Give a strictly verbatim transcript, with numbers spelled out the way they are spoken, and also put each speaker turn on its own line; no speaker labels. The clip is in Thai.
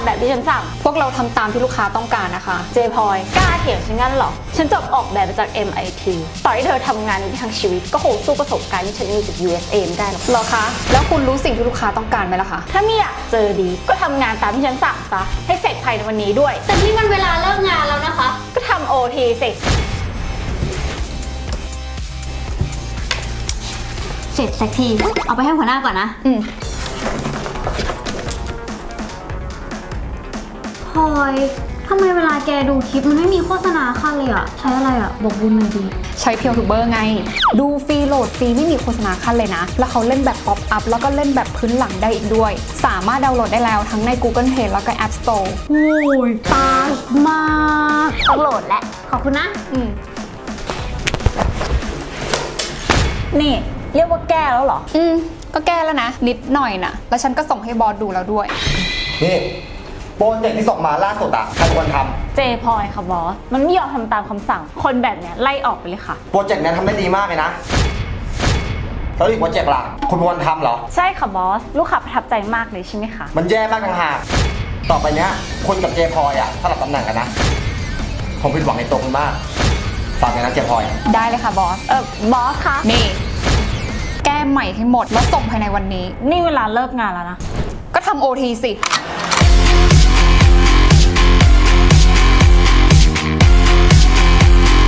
แบบที่ฉันสั่ง
พวกเราทำตามที่ลูกค้าต้องการนะคะ
เจพลอยกล้าเถียงฉันงั้นเหรอฉันจบออกแบบมาจาก เอ็ม ไอ ที ต่อให้เธอทำงานนี้ทั้งชีวิตก็คงสู้ประสบการณ์ที่ฉันมีจาก ยู เอส เอ ไม่ได้หรอก
เหรอคะแล้วคุณรู้สิ่งที่ลูกค้าต้องการไหมล่ะคะ
ถ้าไม่อยากเจอดีก็ทำงานตามที่ฉันสั่งซะให้เสร็จภายในวันนี้ด้วย
แต่ที่มันเวลาเลิกงานแล้วนะคะ
ก็ทำ โอ ที สิ
เสร็จสักทีเอาไปให้หัวหน้าก่อนนะ
อืม
พลอยทำไมเวลาแกดูคลิปมันไม่มีโฆษณาค่ะเลยอะใช้อะไรอะบอกบุญหน่อยดี
ใช้เพียวทูเบอร์ไงดูฟรีโหลดฟรีไม่มีโฆษณาขั้นเลยนะแล้วเขาเล่นแบบป๊อปอัพแล้วก็เล่นแบบพื้นหลังได้อีกด้วยสามารถดาวน์โหลดได้แล้วทั้งใน Google Play แล้วก็ App Store
โอ้ยตายมากต้องโหลดแล้วขอบคุณนะ
อืม
นี่เรียกว่าแก้แล้วเหรอ
อืมก็แก้แล้วนะนิดหน่อยนะแล้วฉันก็ส่งให้บอสดูแล้วด้วย
นี่โปรเจกต์ที่ส่งมาล่าสุดอะใครควรท
ำเจพลอยค่ะบอสมันไม่ยอมทำตามคำสั่งคนแบบเนี้ยไล่ออกไปเลยค่ะ
ำโปรเจกต์นี้ทำได้ดีมากเลยนะแล้วอีกโปรเจกต์ล่ะคุณควรทำเหรอ
ใช่ค่ะบอสลูกค้าประทับใจมากเลยใช่ไหมคะ
มันแย่มากต่างหากต่อไปเนี้ยคุณกับเจพลอยอะสลับตำแหน่งกันนะผมผิดหวังในตัวคุณมากฝากเลยนะเจพลอย
ได้เลยค่ะบอส
เออบอสคะ
นี่แก้ใหม่ให้หมดแล้วส่งภายในวันนี้
นี่เวลาเลิกงานแล้วนะ
ก็ทำโอทีสิ